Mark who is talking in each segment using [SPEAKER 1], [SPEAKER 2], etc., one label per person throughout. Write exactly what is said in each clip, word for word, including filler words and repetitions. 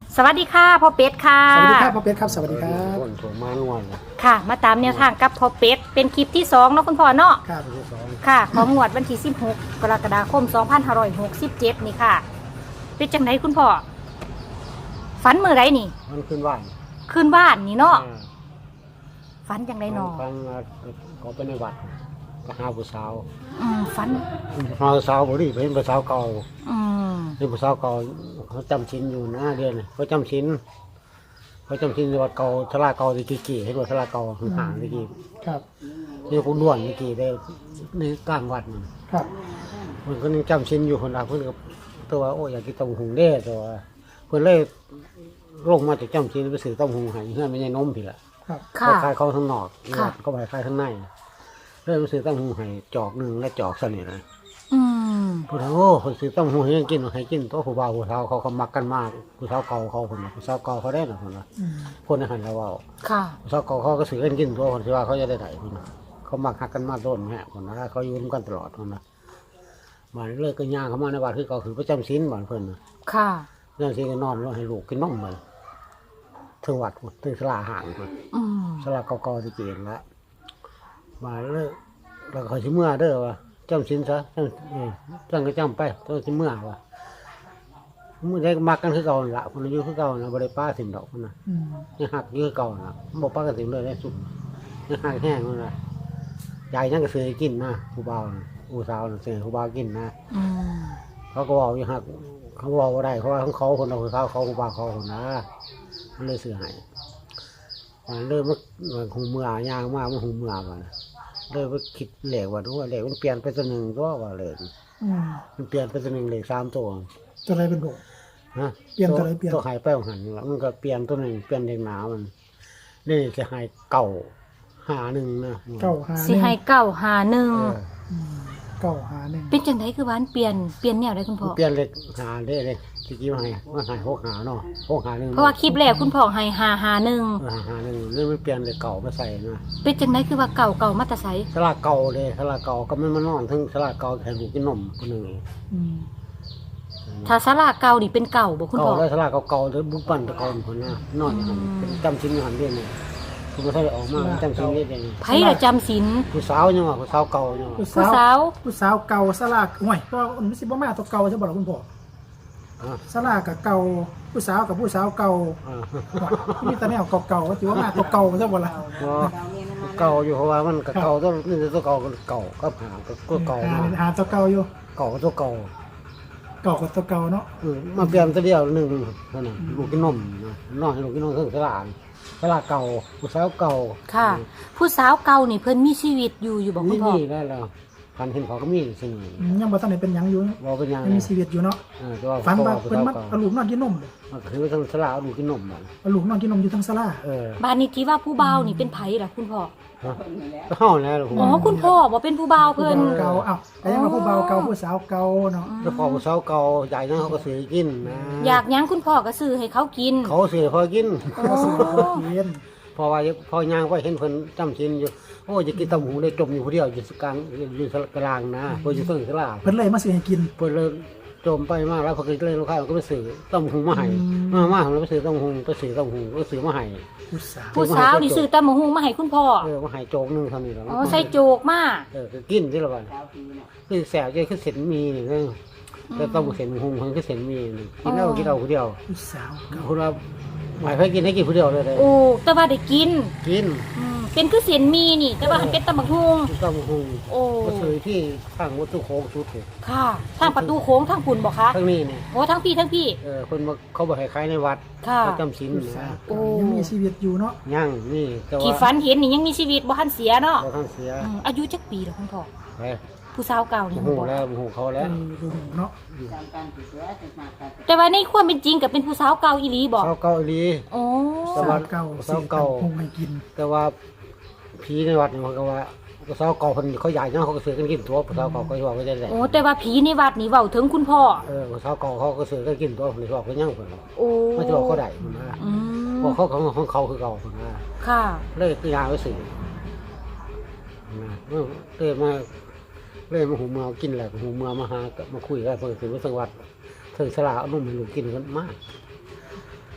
[SPEAKER 1] สวัสดีค่ะพ่อเป็ดค่ะ
[SPEAKER 2] สวัสดีครับพ่อเป็ดครับสวัสดีครับ
[SPEAKER 3] คนถูกมานวล
[SPEAKER 1] ค่ะมาตามแนวทางกับพ่อเป็ดเป็นคลิปที่สองเนาะคุณพ่อเนาะ
[SPEAKER 2] ครับ
[SPEAKER 1] ค่ะของงวดวันที่สิบหกกรกฎาคมสองพันห้าร้อยหกสิบเจ็ดนี่ค่ะเป็นจังไหนคุณพ่อฝันเมื่อไรนี่
[SPEAKER 3] มันขึ้นว่าน
[SPEAKER 1] คืนบ้านนี่เนาะฝันจังได
[SPEAKER 3] น
[SPEAKER 1] เนาะ
[SPEAKER 3] ฟังเขาไปในวัดก็หาผู้สาว
[SPEAKER 1] อืมฝัน
[SPEAKER 3] หาผู้สาวบ่ดีไปเห็นผู้สาวเก่า
[SPEAKER 1] อืม
[SPEAKER 3] เป็นผู้สาวเก่าเขาจำศีลอยู่นะเดือนเขาจำศีลเขาจำศีลในวัดเก่าทลาเก่าตะกี้กี่เห็นว่าทลาเก่าห่างตะกี้
[SPEAKER 2] ครับ
[SPEAKER 3] นี่กูด้วนตะกี้ได้ในกลางวัดมัน
[SPEAKER 2] ครับ
[SPEAKER 3] มันก็ยังจำศีลอยู่คนละเพื่อนก็ตัวโอ้อยากกินต้มหุงเด้ตัวเพื่อนเลยลงมาจากจำศีลไปซื้อต้มหุงให้เพื่อนไม่ใช่นมผิดละ
[SPEAKER 2] ครับ
[SPEAKER 1] ค่ะ
[SPEAKER 3] ขายเขาข้างนอก
[SPEAKER 1] ค่ะ
[SPEAKER 3] เขาไปขายข้างในเริ่มซื้อตั้งหูให้จอกหนึ่งและจอกสนิทเลย
[SPEAKER 1] อืม
[SPEAKER 3] พูดถึงโอ้คนซื้อตั้งหูให้กินให้กินตัวผู้บ่าวผู้สาวเขาเขามักกันมากผู้สาวเก่าเขาคนผู้สาวเก่าเขาได้หรอคนละ
[SPEAKER 2] อืม
[SPEAKER 3] คนในหันเราว่า
[SPEAKER 1] ค่ะ
[SPEAKER 3] ผู้สาวเก่าเขาก็ซื้อกันกินตัวคนที่ว่าเขาจะได้ไหนคนละเขามักหักกันมากโดนแม่คนละเขาอยู่ร่วมกันตลอดคนละมาเลิกกันย่างเขามาในวัดคือเขาคือประจำศีลบ้านเพิ่นนะ
[SPEAKER 1] ค่ะ
[SPEAKER 3] เรื่องศีลก็นอนแล้วให้ลูกกินนมไปถึงวัดถึงสลาห่างคน
[SPEAKER 1] อืม
[SPEAKER 3] สลากเก่าๆที่เกียนละมาเลยเราคอยชิเมื่อเด้อวะจำสินซะจำเออจำก็จำไปต้องชิเมื่อวะมื่อได้มักกันคือเก่าละคนอายุคือเก่านะบริป้าสินดอกคนน่ะ
[SPEAKER 2] อืม
[SPEAKER 3] ยังหักอยื้อเก่านะบอกป้ากันสินเลยได้สุดยังหักแห้งคนน่ะยายยังก็ซื้อกินนะผู้บ่าวน่ะผู้สาวน่ะซื้อผู้บ่าวกินนะ
[SPEAKER 1] อืม
[SPEAKER 3] เขาก็บอกยังหักเขาบอกว่าได้เพราะว่าของเขาคนเราคือเขาเขาผู้บ่าวเขาคนนะมันเลยซื้อให้ มันเริ่มมันหูเมื่อยางมากมันหูเมื่อมันเริ่มว่าคิดเหล็กว่าดูว่าเหล็กมันเปลี่ยนไปตัวหนึ่งตัวว่าเหล็ก
[SPEAKER 2] อืม
[SPEAKER 3] มันเปลี่ยนไปตัวหนึ่งเหล็กสามตัว
[SPEAKER 2] ตัวอะไรเป็นผม
[SPEAKER 3] ฮะ
[SPEAKER 2] เปลี่ยนตัวไหนเปลี่ยน
[SPEAKER 3] ตัวหายไปของหันแล้วมันก็เปลี่ยนตัวหนึ่งเปลี่ยนเหล็กหนามันนี่จะหายเก่าหาหนึ่งนะ
[SPEAKER 2] เก้าหาห
[SPEAKER 1] สิ
[SPEAKER 2] นึ่ง
[SPEAKER 1] ให้เก้าหาหนึ่ง
[SPEAKER 3] เออ
[SPEAKER 2] อืมเก้าหาหนึ่ง
[SPEAKER 1] เป็นจังไดคือบ้านเปลี่ยนเปลี่ยนแนวได้คุณพ่อ
[SPEAKER 3] เปลี่ยนเหล็กหาได้เลยที่กี้มาให้มันหายหกหาเนาะหกหาหนึ่ง
[SPEAKER 1] เพราะว่าคลิปแรกคุณพ่อให้หาหาหนึ่ง
[SPEAKER 3] เออหาหนึ่งนี่มันเปลี่ยนเหล็กเก่ามาใส่นะ
[SPEAKER 1] เป็นจังไดคือว่าเก่าเก่ามาแตาไส
[SPEAKER 3] สลากเก่าเลยสลากเก่าก็ไม่มานอนทั้งสลากเก่าแทนหูกินนมคนหนึ่ง
[SPEAKER 2] อืม
[SPEAKER 1] ถ้าสลากเก่านี่เป็นเก่าบ่คุณ
[SPEAKER 3] เก่า
[SPEAKER 1] พ่อ
[SPEAKER 3] แล้วสลากเก่าๆแล้วบุกปั่นตะกอนคนน่ะนอนอยู่หั่นเป็นจำชิ้นอยู่หันเดียวนี่คุณไม่ใช่ออกมาจำชิ้นเดียวเอง
[SPEAKER 1] ไผละจำศีล
[SPEAKER 3] ผู้สาวยังว่าผู้สาวเก่ายังว่า
[SPEAKER 2] ผู้
[SPEAKER 1] ผู้
[SPEAKER 2] สาว
[SPEAKER 1] สาว
[SPEAKER 2] ผู้สาวเก่าสลากห่วยก็มันสิบ่มาตัวเก่าใช่บ่ล่ะคุณพ่อ
[SPEAKER 3] อ่า
[SPEAKER 2] สลากกับเก่าผู้สาวกับผู้สาวเก่า
[SPEAKER 3] อ่า
[SPEAKER 2] ห่วยมีแต่แนวเก่าๆก็ถือว่ามาตัวเก่าใช่บ่ล่ะ
[SPEAKER 3] เก่าอยู่เพราะว่ามันก็เก่าต้องนี่ตัวเก่าก็เก่าก็หาก็เก่า
[SPEAKER 2] หา
[SPEAKER 3] มา
[SPEAKER 2] หาตัวเก่าอยู่
[SPEAKER 3] เก่าก็ตัวเก่า
[SPEAKER 2] เก่ากับตัวเก่าเนาะ
[SPEAKER 3] เออมาเปลี่ยนตัวเดียวหนึ่งเท่านั้นลูกกินนมนะนอนให้ลูกกินนมเครื่องสลากสลากเก่าผู้สาวเก่า
[SPEAKER 1] ค่ะ ผู้สาวเก่านี่เพิ่นมีชีวิตอยู่อยู่บ่คุ
[SPEAKER 3] นี่
[SPEAKER 1] ณพ่อ
[SPEAKER 3] นี่ได้แล้วพันเห็นเขาก็มีสิ่งนี้
[SPEAKER 2] อืมยังบ่ทันได้เป็นหยังอยู่
[SPEAKER 3] บอกเป็นยัง
[SPEAKER 2] ยังมีชีวิตอยู่เนาะ
[SPEAKER 3] เออแต่ว่า
[SPEAKER 2] ฝันว่า
[SPEAKER 3] ผู้
[SPEAKER 2] เพิ่น
[SPEAKER 3] สาว
[SPEAKER 2] มา
[SPEAKER 3] เก่า
[SPEAKER 2] เอาลูกนอนกินนมบ่
[SPEAKER 3] มันคือทั้งสลากลูกกินนมมัน
[SPEAKER 2] เอาลูกนอนกินนมอยู่ทั้งศาลา
[SPEAKER 3] เออ
[SPEAKER 1] บ้านนี้ที่ว่าผู้บ่าวนี่เป็นไผล่ะคุณพ่อ
[SPEAKER 3] ฮะก็เข้าแล้วลูก
[SPEAKER 1] อ๋อคุณพ่อบ่เป็นผู้บ่าว
[SPEAKER 2] ผู้
[SPEAKER 1] เพิ่น
[SPEAKER 2] บ่าวเก่าเอ้าแต่ยังว่าผู้บ่าวเก่าผู้สาวเก่าเนาะ
[SPEAKER 3] แล้วพอผู้สาวเก่าใหญ่นั่นเขาก็ซื้อกินนะ
[SPEAKER 1] อยากหยังคุณพ่อก็ซื้อให้เขากิน
[SPEAKER 3] เขาซื้อพอกิน
[SPEAKER 2] ก็สิบ่กิน
[SPEAKER 3] เพอว่าพอย่างก็เห็นเพิ่นจำชินอยู่โอ้จะกินตำหูได้จมอยู่ผู้เดียวอยู่กลางอยู่กลางนะเพิ่นอยู่เพิ่งสลา
[SPEAKER 2] เพิ่นเลยมาซื้อให้กิน
[SPEAKER 3] เพิ่นเลยจมไปมากแล้วพอกินเลยลูกค้าก็ไปซื้อตำหูมาให้
[SPEAKER 2] อืม
[SPEAKER 3] มามาแล้วไปซื้อตำหูไปซื้อตำหูก็ซื้อมาให้
[SPEAKER 2] ผู้สาว
[SPEAKER 1] ผู้สาวนี่ซื้อตำบักหุ่งมาให้คุณพ่อ
[SPEAKER 3] เออมาให้โจกนึงเท่านี้แล้ว
[SPEAKER 1] อ๋อใส่โจกมา
[SPEAKER 3] เออคือกินที่ละวันคือแสบใจคือเส้นมีนี่เออแต่ต้องเส้นหูเพิ่นคือเส้นมีนี่กินแล้วกินเอาผู้เดียว
[SPEAKER 2] ผู้สาวเก่า
[SPEAKER 3] คุณว่าหมายเพื่อกินให้กินผู้เดียวเลยเลย
[SPEAKER 1] โอ้แต่ว่าได้กิน
[SPEAKER 3] กิน
[SPEAKER 1] อืมเป็นคือเสียนมีนี่ แต่ว่ามันเป็นตำบักหุ่ง
[SPEAKER 3] ต้องหู
[SPEAKER 1] โอ้
[SPEAKER 3] ก็ซื้อที่ข้างวัตถุโค้งชุดเลย
[SPEAKER 1] ค่ะทางประตูโค้งทางปุ่นบ่คะ
[SPEAKER 3] ทั้งนี้เนี่ย
[SPEAKER 1] โอ้ทั้งพี่ทั้งพี่
[SPEAKER 3] เออคนมาเขาบอกให้ขายในวัด
[SPEAKER 1] ค่ะ
[SPEAKER 3] เขาจำศีล
[SPEAKER 2] ผู้
[SPEAKER 3] นะ
[SPEAKER 2] สาว
[SPEAKER 1] โอ้
[SPEAKER 2] เก่ายังมีชีวิตอยู่เนาะ
[SPEAKER 3] ย่างนี่แต่ว่า
[SPEAKER 1] ที่ฝันเห็นนี่ยังมีชีวิตบ่ทันเสียเนาะ
[SPEAKER 3] เราท่านเสีย
[SPEAKER 1] อืมอายุจักปีแล้วคุณพ่อ
[SPEAKER 3] ไป
[SPEAKER 1] ผู้สาวเก่านี่
[SPEAKER 3] โอ้โห
[SPEAKER 1] คุณพ่อ
[SPEAKER 3] แล้วโอ้โหเขา
[SPEAKER 2] เอ
[SPEAKER 3] แล้ว
[SPEAKER 2] อดูเนาะ
[SPEAKER 1] แต่ว่าในความเป็นจริงก็เป็นผู้สาวเก่าอีหลีบ่
[SPEAKER 3] เขาเกาหลี
[SPEAKER 1] โอ้
[SPEAKER 3] สวั
[SPEAKER 2] สา
[SPEAKER 3] ส
[SPEAKER 2] ว
[SPEAKER 3] ดิ์
[SPEAKER 2] เก่า
[SPEAKER 3] สาวเก่า
[SPEAKER 2] คงให้กิน
[SPEAKER 3] แต่ว่าผีในวัดเนี่ยมันก็ว่าสาวเก่าคนเขาใหญ่เนาะเขาก็ซื้อกันกินตัวสาวเก่าก็ว่าก็จะได้
[SPEAKER 1] โอ้แต่ว่าผีในวัดนี่เว้าถึงคุณพ่อ
[SPEAKER 3] เออสาวเก่าเขาก็ซื้อกันกินตัวคนที่ว่าเขาย่างคน
[SPEAKER 1] โอ้
[SPEAKER 3] ไม่ใช่ว่าเขาได้คนนะ
[SPEAKER 1] อืม
[SPEAKER 3] เพราะเขาของของเขาคือเก่าคนนะ
[SPEAKER 1] ค่ะ
[SPEAKER 3] เลยคือยาไว้สื่อนะเลยมาเลยมาหูเมือกินแหละหูเมือมาหามาคุยกันเพื่อถึงวัดสังวัดถึงสลาเอานุ่มให้ลูกกินกันมาก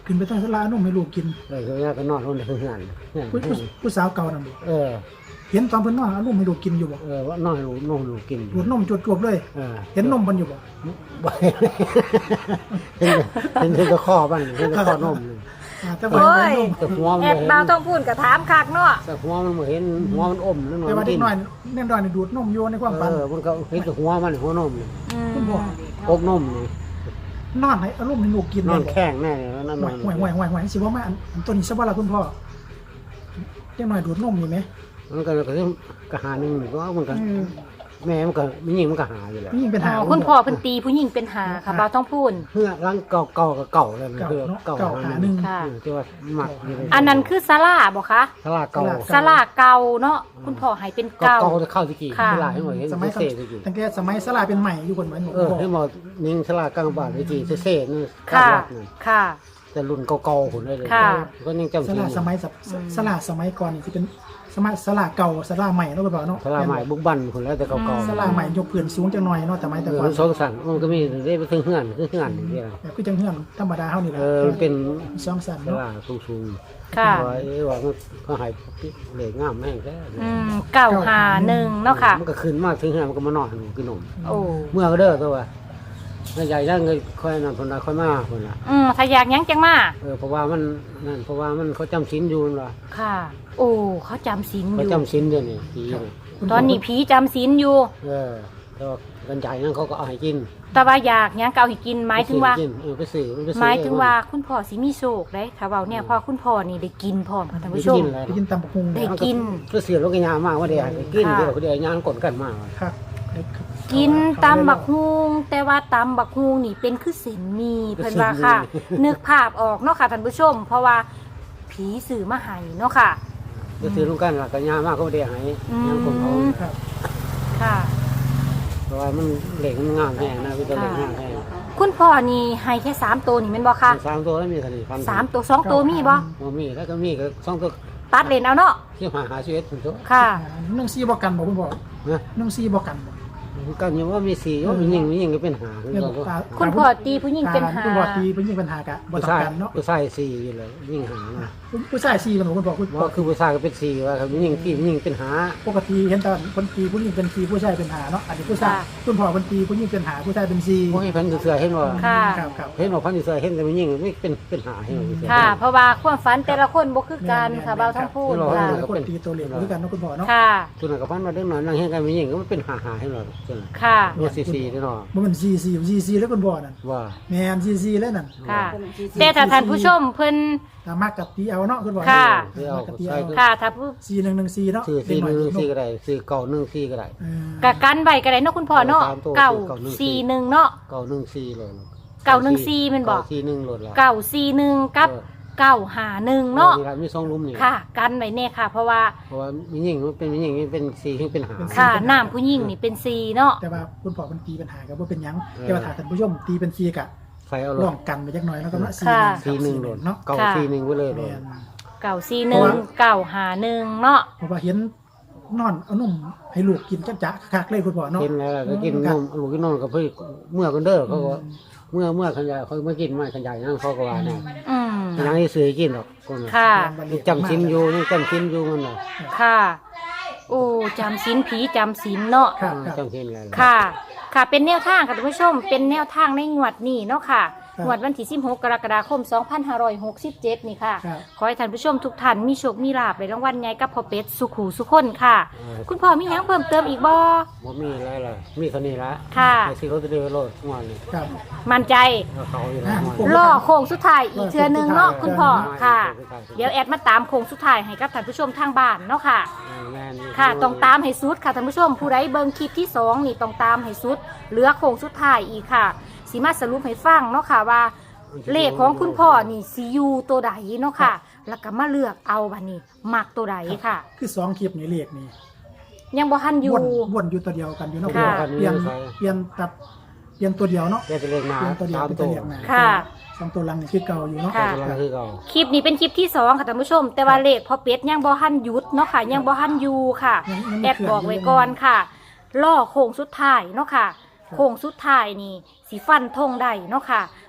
[SPEAKER 2] ขึ้นไปตั้งสลานุ่มให้ลูกกิน
[SPEAKER 3] เออคือแม่ก็นอนลงในเฮือนเฮือน
[SPEAKER 2] ผู้ผู้ผู้สาวเก่านั่นบ่
[SPEAKER 3] เออ
[SPEAKER 2] เห็นตอนเพิ่นนอนเอานมให้ลูกกินอยู่บ่
[SPEAKER 3] เออว่านอนให้ลูกนอนลูกกิน
[SPEAKER 2] ดูดนมจวบๆเลย
[SPEAKER 3] เออ
[SPEAKER 2] เห็นนมเพิ่นอยู่บ่
[SPEAKER 3] บ่เห็นเห็นเห็นแต่ข้อบ้านเห็นแต่ข้อนมเลย
[SPEAKER 2] อ่าแต่ว่า
[SPEAKER 1] โอ้ย
[SPEAKER 2] เห็นนม
[SPEAKER 3] แต่หัวมัน
[SPEAKER 1] แอ
[SPEAKER 3] บ่
[SPEAKER 1] ด
[SPEAKER 3] เห็น
[SPEAKER 1] บ่าวต้องพูดกับถามคักเนาะ
[SPEAKER 3] แต่หัวมันบ่เห็นหัวมันอมนั่นหน่อย
[SPEAKER 2] แต่ว่า
[SPEAKER 3] มัน
[SPEAKER 2] เด็
[SPEAKER 3] กิ
[SPEAKER 2] ก
[SPEAKER 3] น
[SPEAKER 2] น้อยเด็กน้อยนี่ดูดนมอยู่ในความฝัน
[SPEAKER 3] เออมันก็เห็นแต่หัวมันหัวนมนี่
[SPEAKER 1] อืม
[SPEAKER 2] คุณพ่อ
[SPEAKER 3] อกนมนี่
[SPEAKER 2] นอนให้เอานมให้ลูกกิน
[SPEAKER 3] นอน
[SPEAKER 2] ได้บ่
[SPEAKER 3] แข้งแน่เลยแล้วนั่น
[SPEAKER 2] ห่วยห่วยห่วยห่วยห่วยสิว่ามาอันอันตัวนี้ซะบ่ล่ะคุณพ่อเด็กน้อยดูดนมนี่ไหม
[SPEAKER 3] มันก็ก็ก็หาหนึงก็มันก็
[SPEAKER 2] อืม
[SPEAKER 3] แม่มันก็มีหญิงมันก็หาอยู่แหละ
[SPEAKER 2] นี่ยิ่งเป็น
[SPEAKER 1] อ๋
[SPEAKER 2] หา
[SPEAKER 1] อคุณพ่อเพิ่นตีผู้หญิงเป็นหาค่ะบ่าวต้องพูด
[SPEAKER 3] เฮือร่างเก่าเก่าก็เก่าเลยมัน
[SPEAKER 2] เก่า
[SPEAKER 3] คือ
[SPEAKER 2] เนาะ
[SPEAKER 3] เก่า
[SPEAKER 2] เก่าหาหนึ่ง
[SPEAKER 1] ค่ะ
[SPEAKER 3] อืมที่ว่าหมักอยู่เลย
[SPEAKER 1] อันนั้นคือศาลาบ่คะ
[SPEAKER 3] สลาเก่า
[SPEAKER 1] ศาลาเก่าเนาะคุณพ่อให้เป็น
[SPEAKER 3] เก่า
[SPEAKER 1] เก่า
[SPEAKER 3] เก่าจะเข้าตะกี้
[SPEAKER 1] ค่ะ
[SPEAKER 3] สลาให้หมดเห็น
[SPEAKER 2] สมัย
[SPEAKER 3] เซ่ตะกี้
[SPEAKER 2] ตั้งแต่สมัยสลาเป็นใหม่อยู่คนเหมือนหนู
[SPEAKER 3] เออ
[SPEAKER 2] บอก
[SPEAKER 3] ให้หมดนิ่งสลากลางบ้านตะกี้เซ่ๆนี่กลาง
[SPEAKER 1] ค่ะ
[SPEAKER 3] วัดนี่
[SPEAKER 1] ค่ะ
[SPEAKER 3] แต่รุ่นเก่าๆคนได้เลย
[SPEAKER 1] ค่ะ
[SPEAKER 3] ก็ยังจำ
[SPEAKER 2] ส
[SPEAKER 3] ชื่
[SPEAKER 2] ลา
[SPEAKER 3] อ
[SPEAKER 2] สมัยสับ
[SPEAKER 1] อืม
[SPEAKER 2] สลาสมัยก่อนนี่ที่เป็นสมัยสลาเก่าสลาใหม่เนาะคุณพ่อเนาะ
[SPEAKER 3] สลาใหม่บุกบันคนแล้วแต่เก่าๆ
[SPEAKER 2] สลาใหม่ยกเพื่อนสูงจังหน่อยเนาะแต่ไม้
[SPEAKER 3] เอ
[SPEAKER 2] แต่
[SPEAKER 3] อ
[SPEAKER 2] ก่อ
[SPEAKER 3] มัน นสองสันมันก็มีได้ไปถึงเฮือนคือเฮือนนี่เดียว
[SPEAKER 2] แบบคือจังเฮือนธรรมดาเฮานี่แห
[SPEAKER 3] เอ
[SPEAKER 2] ละ
[SPEAKER 3] อมันเป็น
[SPEAKER 2] สองสัน
[SPEAKER 3] ส
[SPEAKER 2] เนาะ
[SPEAKER 3] ลาสูงๆ
[SPEAKER 1] ค่ะ
[SPEAKER 3] ว่าเอ้ว่ามันเขาใหายเหล็กงามแม่งแท้
[SPEAKER 1] อืมเก่าหาหนึ่งเนาะค่ะ
[SPEAKER 3] มันก็ขึ้นมากถึงเฮือนมันก็มานอนอยู่กินนม
[SPEAKER 1] โอ้
[SPEAKER 3] เมื่อก็เด้อตัวว่าใหญ่ๆนั่นเงยค่อยนั่นคนละค่อยมาคนละ
[SPEAKER 1] อืมถ้าอยากหยังจังมา
[SPEAKER 3] เออเพราะว่ามันนั่นเพราะว่ามันเขาจำศีลอยู่นั่นล่ะ
[SPEAKER 1] ค่ะ โอ้เขาจำศีลอ
[SPEAKER 3] เขา
[SPEAKER 1] ยู่
[SPEAKER 3] จำศีลเดี๋ยวนี้ผีนี่
[SPEAKER 1] ตอนนี้ผีจำศีลอยู่
[SPEAKER 3] เออแต่ว่ากันใหญ่นั่นเขาก็เอาให้กิน
[SPEAKER 1] แต่ว่าอยากหยังเก่าให้กินหมายถึงว่า
[SPEAKER 3] ไปซื้อกินเออไปซื้อมันไปซื้อ
[SPEAKER 1] หมายถึงว่าคุณพ่อสิมีโชคได้ถ้าเว้าเนี่ยพ่อคุณพ่อนี่ได้กินพร้อมค่ะท่านผู้ชม
[SPEAKER 3] กินแล้ว
[SPEAKER 2] ไปกินตำบักหุ่ง
[SPEAKER 1] ได้
[SPEAKER 2] เนาะ
[SPEAKER 1] กิน
[SPEAKER 3] ก็เสียรถกันยามากว่าเดี๋ยวให้กิน
[SPEAKER 1] ค่ะ
[SPEAKER 3] เดี๋ยวเขาเดี๋ยวยางกดกันมาก
[SPEAKER 2] ครับ
[SPEAKER 1] กินตำบักฮุงแต่ว่าตำบักฮุงนี่เป็นคือเส้นหมีเพิ่นว่าค่ะ นึกภาพออกเนาะค่ะท่านผู้ชม เพราะว่าผีสื่อมาให้เนาะค่ะ
[SPEAKER 3] ก็ซื้อลงกันหลักกันยามากก็เดี๋ยวให้
[SPEAKER 1] อืม
[SPEAKER 3] ยางคนเขา
[SPEAKER 2] ครับ
[SPEAKER 1] ค่ะ
[SPEAKER 3] เพราะว่ามันเหล็กมันงามแห้งนะพี่ตัวเหล็กงามแห้ง
[SPEAKER 1] คุณพ่อนี่ให้แค่สามตัวนี่แม่นบ่คะ
[SPEAKER 3] สามตัวแล้วมีเท่านี้พัน
[SPEAKER 1] สามตัวสองตัวมีบ่
[SPEAKER 3] บ่มีแล้วก็มีก็สองตัว
[SPEAKER 1] ตัดเลนเอาเนาะ
[SPEAKER 3] ที่หาหาชีวิตถึงตัว
[SPEAKER 1] ค่ะ
[SPEAKER 2] หนึ่งซี่บ่กันบ่คุณพ่อ
[SPEAKER 3] นะ
[SPEAKER 2] หนึ่งซี่บ่กันบ่
[SPEAKER 3] กันยังว่ามีสี่ว่ามียิงมียิงก็เป็นหาคือ
[SPEAKER 2] เนี่ย
[SPEAKER 3] เรา
[SPEAKER 2] บอกว่า
[SPEAKER 1] คุณพ่อตีผู้หญิงเป็นหา
[SPEAKER 2] คุณพ่อตีผู้หญิงเป็นหากะบ่
[SPEAKER 3] ผู้
[SPEAKER 2] ต้อง
[SPEAKER 3] ชาย
[SPEAKER 2] กันเนาะ
[SPEAKER 3] ผู้ชายสี่อยู่เลยยิงหานะ
[SPEAKER 2] ผู้ชายซี่กันบ่คุณพ่อคุณพ่อ
[SPEAKER 3] ว่าคือผู้ชายก็เป็นสี่ว่าครับยิงที่ยิงเป็นหา
[SPEAKER 2] ปกติเห็นแต่คนตีผู้หญิงเป็นตีผู้ชายเป็นหาเนาะอันนี้ผู้ชายคุณพ่อเป็นตีผู้หญิงเป็นหาผู้ชายเป็นซี
[SPEAKER 3] เพราะให้พันเสือเห็นว่า
[SPEAKER 1] ค่ะ
[SPEAKER 2] ครับครับ
[SPEAKER 3] เห็นว่าพันเสือเห็นแต่มันยิงไม่เป็นเป็นหาเห็นว่าเสือ
[SPEAKER 1] ค่ะ เพราะว่าความฝันแต่ละคนบ่คือกันค่ะเบาทั้งพูด
[SPEAKER 3] เรา
[SPEAKER 1] ค่ะ
[SPEAKER 2] แล้วคนตีตัวเล็กด้วยกันเนาะคุณพ่อเนาะ
[SPEAKER 1] ค่ะ
[SPEAKER 3] ส่วนนั้นกับพันมาเด็กหน่อยนั่งเห็นกันมันยิงก็มันเป็นหาหาให้เราส่วนนั้น
[SPEAKER 1] ค่ะ
[SPEAKER 3] ว่าสี่สี่แน่นอน
[SPEAKER 2] บ่แมันซีซีซีซีแล้วคุณพ่อนั่น
[SPEAKER 3] ว่า
[SPEAKER 2] แม่นซีซีแล้วนั่น
[SPEAKER 1] ค่ะ แต่ถ้าท่านผู้ชมเพิ่น
[SPEAKER 2] ถ้ามักกับตีเอาเนาะคุณพ่อ
[SPEAKER 1] ค่ะ
[SPEAKER 2] มักกับตีเอา
[SPEAKER 1] ค่ะถ้าผู้
[SPEAKER 2] ซีหนึ่งหนึ่งซีเนาะ
[SPEAKER 3] ซื้อสี่หนึ่งสี่ก็ได้ซื้อเก่าหนึ่งสี่ก็ได้
[SPEAKER 2] เออ
[SPEAKER 1] กะกันไว้ก็ได้เนาะคุณพ่อเนาะ
[SPEAKER 3] สามตัว
[SPEAKER 1] เก่า
[SPEAKER 3] เก่าหนึ่ง
[SPEAKER 1] สี่หนึ่งเนาะ
[SPEAKER 3] เก่าหนึ่งสี่เลย
[SPEAKER 1] เก่าหนึ่งสี่แม่นบ่
[SPEAKER 3] เก่าสี่หนึ่งโหลดละ
[SPEAKER 1] เก่าสี่หนึ่งกับ
[SPEAKER 3] เออ
[SPEAKER 1] เก่าหาหนึ่งเนาะ
[SPEAKER 3] มีครับมีสองลุมนี่
[SPEAKER 1] ค่ะ กันไว้แน่ค่ะ เพราะว่า
[SPEAKER 3] เพราะว่ามียิงมันเป็นมียิงมันเป็นสี่ที่เป็นหา
[SPEAKER 1] ค่ะน้ำผู้หญิงนี่เป็นสี่เนาะ
[SPEAKER 2] แต่ว่าคุณพ่อมันตีปัญหากับว่าเป็นหยัง
[SPEAKER 3] เออ
[SPEAKER 2] แต่ว่าถ้าท่านผู้ชมตีเป็นซีกะ
[SPEAKER 3] ไฟเอาโหล
[SPEAKER 2] ร่ว
[SPEAKER 3] ด
[SPEAKER 2] มกันไปจักหน่อยเนาะก็มาซี
[SPEAKER 1] ค่ะ
[SPEAKER 3] สี่หนึ่งโหลด
[SPEAKER 2] เนาะ
[SPEAKER 3] เก่าสี่หนึ่งไว้เลยโหล
[SPEAKER 2] แม่
[SPEAKER 3] ด
[SPEAKER 2] น
[SPEAKER 1] เก่าสี่หนึ่งเก่าหาหนึ่งเนาะ
[SPEAKER 2] เพราะว่าเห็นนอนเอานมให้ลูกกินจักจะคักๆเลยคุณพ่อเนาะ
[SPEAKER 3] กินแล้วก็กินนมลูกกินนมกับเพื่อเมื่อกันเด้อเขาก็เมื่อเมื่อขันใหญ่เขาไม่กินไม่ขันใหญ่นั่นเขาก็ว่าเนี่ย
[SPEAKER 1] อืม
[SPEAKER 3] ยังให้ซื้อกินหรอกคนน่ะ
[SPEAKER 1] ค่ะ
[SPEAKER 3] ยังจำชิ้นอยู่ยังจำชิ้นอยู่มันน่ะ
[SPEAKER 1] ค่ะ โอ้จำศีลผีจำศีลเนาะ
[SPEAKER 2] ครับครับ
[SPEAKER 3] จำชิ้นแล้ว
[SPEAKER 1] ค่ะ ค่ะ เป็นแนวทางค่ะท่านผู้ชม เป็นแนวทางในงวดนี้เนาะค่ะ
[SPEAKER 2] ครับ
[SPEAKER 1] งวดวันที่สิบหกกรกฎาคมสองพันห้าร้อยหกสิบเจ็ดนี่ค่ะ
[SPEAKER 2] ครับ
[SPEAKER 1] ขอให้ท่านผู้ชมทุกท่านมีโชค มีลาภในรางวัลใหญ่กับพ่อเป็ดสุขูสุขคนค่ะ คุณพ่อมีหยังเพิ่มเติมอีกบ่
[SPEAKER 3] บ่มีอะไรเลยมีเท่านี้ละ
[SPEAKER 1] ค่ะ
[SPEAKER 3] ไอ้ที่เขาจะเดินโลดงอนนี่
[SPEAKER 2] ครับ
[SPEAKER 1] มั่นใจ
[SPEAKER 3] เอาเขาอยู่แล้วงอน
[SPEAKER 2] ผม
[SPEAKER 1] ล่อโค้งสุดท้ายอีกเทือหนึงเนาะ
[SPEAKER 2] เออ
[SPEAKER 1] คุณพ่อ
[SPEAKER 3] เออ
[SPEAKER 1] ค่ะ
[SPEAKER 3] เออเออ
[SPEAKER 1] เดี๋ยวแอดมาตามโค้งสุดท้ายให้กับท่านผู้ชมทางบ้านเนาะค่ะ
[SPEAKER 3] แม่นอยู่
[SPEAKER 1] ค่ะต้องตามให้สุดค่ะท่านผู้ชม ผู้ใดเบิ่งคลิปที่สองนี่ต้องตามให้สุดเหลือโค้งสุดท้ายอีกค่ะสิมาสรุปให้ฟังเนาะค่ะว่า เลขของคุณพ่อนี่ซียูตัวใดเนาะค่ะ แล้วก็มาเลือกเอาบัดนี้มักตัวใดค่ะ
[SPEAKER 2] คือสองคลิปนี่เลขนี่
[SPEAKER 1] ยังบ่ทันอยู่
[SPEAKER 2] วนวนอยู่ตัวเดียวกันอยู่เนาะ
[SPEAKER 1] ค่ะ
[SPEAKER 2] เปลี่ยนเปลี่ยนตัดเปลี่ยนตัวเดียวเนาะ
[SPEAKER 3] แกจะเรียกมา
[SPEAKER 2] เปลี่ยนตัวเดียว
[SPEAKER 3] ตาม
[SPEAKER 2] เป็น
[SPEAKER 3] ตั
[SPEAKER 2] ตัว
[SPEAKER 3] ว
[SPEAKER 2] เดียวมา
[SPEAKER 1] ค่ะ
[SPEAKER 2] สองตัวหลังนี่คือเก่าอยู่เนาะ
[SPEAKER 1] ค่ะ
[SPEAKER 3] กำลังคือเก่า
[SPEAKER 1] คลิปนี้เป็นคลิปที่สองค่ะท่านผู้ชม แต่ว่าเลขพอเป็ดยังบ่ทันหยุดเนาะค่ะ ยังบ่ทันอยู่ค่ะ
[SPEAKER 2] ยังยัง
[SPEAKER 1] แอ
[SPEAKER 2] ไม่
[SPEAKER 1] ด
[SPEAKER 2] เคลื่
[SPEAKER 1] บอกไว้ก่อนค่ะ ล่อโค้งสุดท้ายเนาะค่ะ โค้งสุดท้ายนี่สีฟันธงได้เนาะค่ะ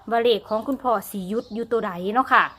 [SPEAKER 1] ว่าเลขของคุณพ่อสิหยุดอยู่ตัวใดเนาะค่ะ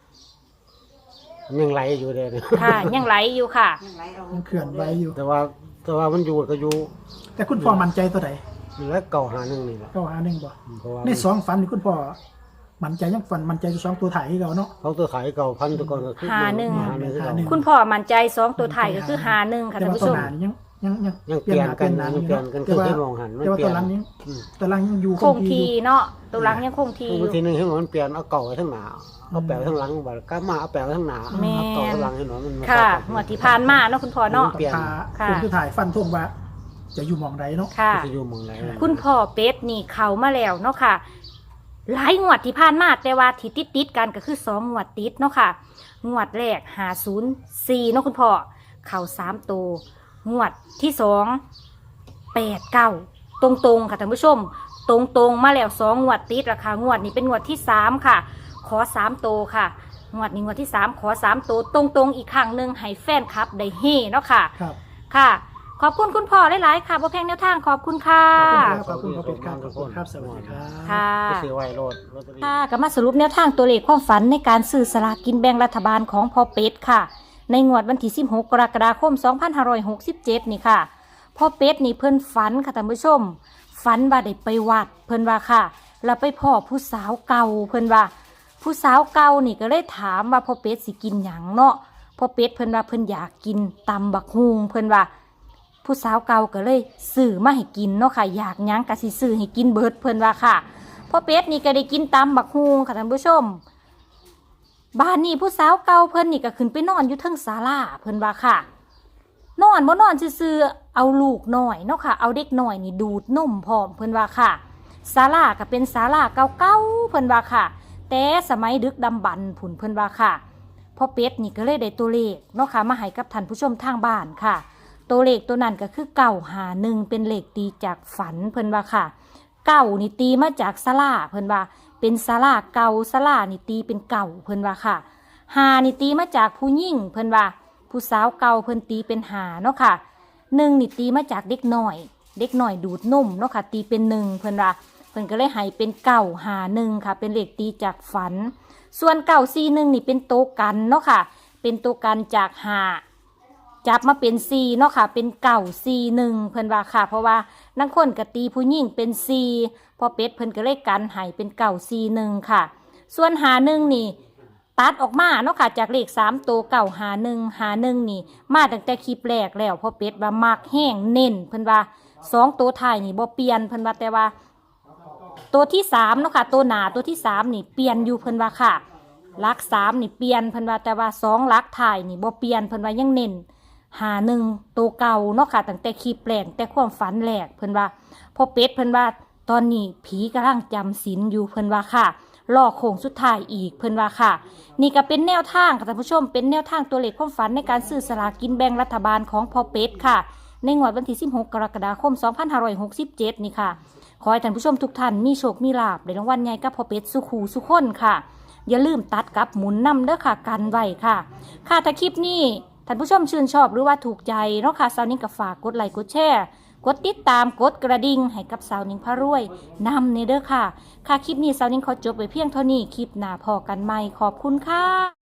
[SPEAKER 3] ยังไหลอยู่เด้เนี่ย
[SPEAKER 1] ค่ะ ยังไหลอยู่ค่ะ
[SPEAKER 2] ยังเขื่อนไว้อยู่
[SPEAKER 3] แต่ว่าแต่ว่ามันอยู่ก็อยู่
[SPEAKER 2] แต่คุณพ่อมั่นใจตัวใด
[SPEAKER 3] แล้วเก่าหาหนึ่งนี่แหละ
[SPEAKER 2] เก้าหาหนึ่งบ่
[SPEAKER 3] เพราะว่า
[SPEAKER 2] ในสองฝันนี่คุณพ่อมั่นใจยังฝันมั่นใจอยู่สองตัวถ่ายให้เราเนาะ
[SPEAKER 3] เขาตัวขายเก่าพันตัวก่อนก็คือ
[SPEAKER 1] หาหนึ่ง
[SPEAKER 3] หาหนึ่งคือ
[SPEAKER 2] หา
[SPEAKER 3] เก่า
[SPEAKER 2] หนึ่ง
[SPEAKER 1] คุณพ่อมั่นใจสองตัวไทายก็คือหาหนึ่งค่ะ
[SPEAKER 2] แต่
[SPEAKER 1] ท่าน
[SPEAKER 2] ว่า
[SPEAKER 1] ผู้
[SPEAKER 2] ตัว
[SPEAKER 1] ชม
[SPEAKER 2] หนานี่ยังยังยัง
[SPEAKER 3] ยังเปลี่ยนกัน
[SPEAKER 2] หา
[SPEAKER 3] ยังเปลี่ยนกัน
[SPEAKER 2] แต่
[SPEAKER 3] คือ
[SPEAKER 2] ว่า
[SPEAKER 3] ให้มองหันมัน
[SPEAKER 2] แต่ว่า
[SPEAKER 3] เปลี่
[SPEAKER 2] ตั
[SPEAKER 3] ยว
[SPEAKER 2] หลั
[SPEAKER 3] น
[SPEAKER 2] งยัง
[SPEAKER 3] อืม
[SPEAKER 2] ตัวหลังยังอยู่
[SPEAKER 1] คงทีเนาะตัวหลังยังคงทีอบ
[SPEAKER 3] างที
[SPEAKER 1] ยู่
[SPEAKER 3] หนึงให้มันเปลี่ยนเอาเก่าไว้ทั้งหนาเอาแปะไว้ทั้งหลังบัดก็มาเอาแปะไว้ทั้งหนา
[SPEAKER 1] แม่น
[SPEAKER 3] เอาเก่าทั้งหลังให้หน่อยมันมา
[SPEAKER 1] ค่ะ
[SPEAKER 3] เข้ากัน
[SPEAKER 1] งวดที่ผ่านมาเนาะคุณพ่อเนาะ
[SPEAKER 3] เปลี่ยน
[SPEAKER 2] ขา
[SPEAKER 1] ค่ะ
[SPEAKER 2] คนที่ถ่ายฟันทงว่า จะอยู่หมองใดเนาะ
[SPEAKER 1] ค่ะ
[SPEAKER 3] จะอยู่หมองไหน
[SPEAKER 1] คุณพ่อเป็ดนี่เขามาแล้วเนาะค่ะ หลายงวดที่ผ่านมาแต่ว่าที่ติดติดๆกันก็คือสองงวดติดเนาะค่ะ งวดแรกหาศูนย์สี่เนาะคุณพ่อเข่าสามตัวงวดที่สองแปดเก้าตรงๆค่ะท่านผู้ชม ตรงๆมาแล้วสองงวดติดราคางวดนี้เป็นงวดที่สามค่ะ ขอสามตัวค่ะงวดนี้งวดที่สามขอสามตัวตรงๆอีกครั้งหนึ่งให้แฟนคลับได้เฮ่เนาะค่ะ
[SPEAKER 2] ครับ
[SPEAKER 1] ค่ะ ขอบคุณคุณพ่อหลายๆค่ะบ่แพงแนวทางขอบคุณค่ะ
[SPEAKER 2] ขอบคุณครับขอบคุณครับขอบคุณครับสวัสดีครับ
[SPEAKER 1] ค่ะ
[SPEAKER 3] ไปซื้อไว้โลดลอตเตอรี่
[SPEAKER 1] ค่ะก็มาสรุปแนวทางตัวเลขความฝันในการซื้อสลากกินแบ่งรัฐบาลของพ่อเป็ดค่ะ ในงวดวันที่สิบหกกรกฎาคมสองพันห้าร้อยหกสิบเจ็ดนี่ค่ะพ่อเป็ดนี่เพิ่นฝันค่ะท่านผู้ชม ฝันว่าได้ไปวัดเพิ่นว่าค่ะแล้วไปพ่อผู้สาวเก่าเพิ่นว่า ผู้สาวเก่านี่ก็เลยถามว่าพ่อเป็ดสิกินหยังเนาะพ่อเป็ดเพิ่นว่าเพิ่นอยากกินตำบักฮุงเพิ่นว่า ผู้สาวเก่าก็เลยซื้อมาให้กินเนาะค่ะอยากหยังก็สิซื้อให้กินเบิดเพิ่นว่าค่ะพ่อเป็ดนี่ก็ได้กินตำบักฮุงค่ะท่านผู้ชม บ้านนี้ผู้สาวเก่าเพิ่นนี่ก็ขึ้นไปนอนอยู่เทิงศาลาเพิ่นว่าค่ะ นอนบ่นอนซื่อๆเอาลูกหน่อยเนาะค่ะเอาเด็กหน่อยนี่ดูดนมพร้อมเพิ่นว่าค่ะศาลาก็เป็นศาลาเก่าๆเพิ่นว่าค่ะ แต่สมัยดึกดำบรรพ์ผุนเพิ่นว่าค่ะพ่อเป็ดนี่ก็เลยได้ตัวเลขเนาะค่ะมาให้กับท่านผู้ชมทางบ้านค่ะ ตัวเลขตัวนั้นก็คือเก่าหาหนึ่งเป็นเลขตีจากฝันเพิ่นว่าค่ะเก่านี่ตีมาจากศาลาเพิ่นว่าเป็นศาลาเก่าศาลานี่ตีเป็นเก่าเพิ่นว่าค่ะหานี่ตีมาจากผู้หญิงเพิ่นว่าผู้สาวเก่าเพิ่นตีเป็นหาเนาะค่ะหนึ่งนี่ตีมาจากเด็กหน่อย เด็กหน่อยดูดนมเนาะค่ะตีเป็นหนึ่งเพิ่นว่าเพิ่นก็เลยให้เป็นเก่าหาหนึ่งค่ะเป็นเลขตีจากฝัน ส่วนเก่าซีหนึ่งนี่เป็นโตวกันเนาะค่ะเป็นตัวกันจากหาจับมาเป็นซีเนาะค่ะเป็นเก่าซีหนึ่งเพิ่นว่าค่ะเพราะว่านังคนกตีผู้หญิงเป็นซีพอเป็ดเพิ่นก็เลยกันให้เป็นเก่าซีหนึ่งค่ะ ส่วนหาหนึ่งนี่ตัดออกมาเนาะค่ะจากเลขสามตัวเก่าหาหนึ่งหาหนึ่งนี่มาตั้งแต่คลิปแรกแล้วพอเป็ดว่ามักแห้งเน้นเพิ่นว่าสองตัวท้ายนี่บ่เปลี่ยนเพิ่นว่าแต่ว่าตัวที่สามเนาะค่ะตัวหนาตัวที่สามนี่เปลี่ยนอยู่เพิ่นว่าค่ะลักสามนี่เปลี่ยนเพิ่นว่าแต่ว่าสองลักท้ายนี่บ่เปลี่ยนเพิ่นว่ายังเน้นหาหนึ่งตัวเก่าเนาะค่ะตั้งแต่คลิปแรกแต่ความฝันแรกเพิ่นว่าพอเป็ดเพิ่นว่าตอนนี้ผีกำลังจำศีลอยู่เพิ่นว่าค่ะรอโค้งสุดท้ายอีกเพิ่นว่าค่ะนี่ก็เป็นแนวทางค่ะท่านผู้ชมเป็นแนวทางตัวเลขความฝันในการซื้อสลากกินแบ่งรัฐบาลของพ่อเป็ดค่ะในงวดวันที่สิบหกกรกฎาคมสองพันห้าร้อยหกสิบเจ็ดนี่ค่ะขอให้ท่านผู้ชมทุกท่านมีโชคมีลาภในรางวัลใหญ่กับพ่อเป็ดสุขูสุขคนค่ะอย่าลืมตัดกับหมุนนำเด้อค่ะกันไว้ค่ะค่ะถ้าคลิปนี้ท่านผู้ชมชื่นชอบหรือว่าถูกใจเนาะค่ะสาวนิ้งก็ฝากกดไลค์กดแชร์กดติดตามกดกระดิ่งให้กับสาวนิ้งพระรวยนำเนเด้อค่ะค่ะคลิปนี้สาวนิ้งขอจบไปเพียงเท่านี้คลิปหน้าพอกันใหม่ขอบคุณค่ะ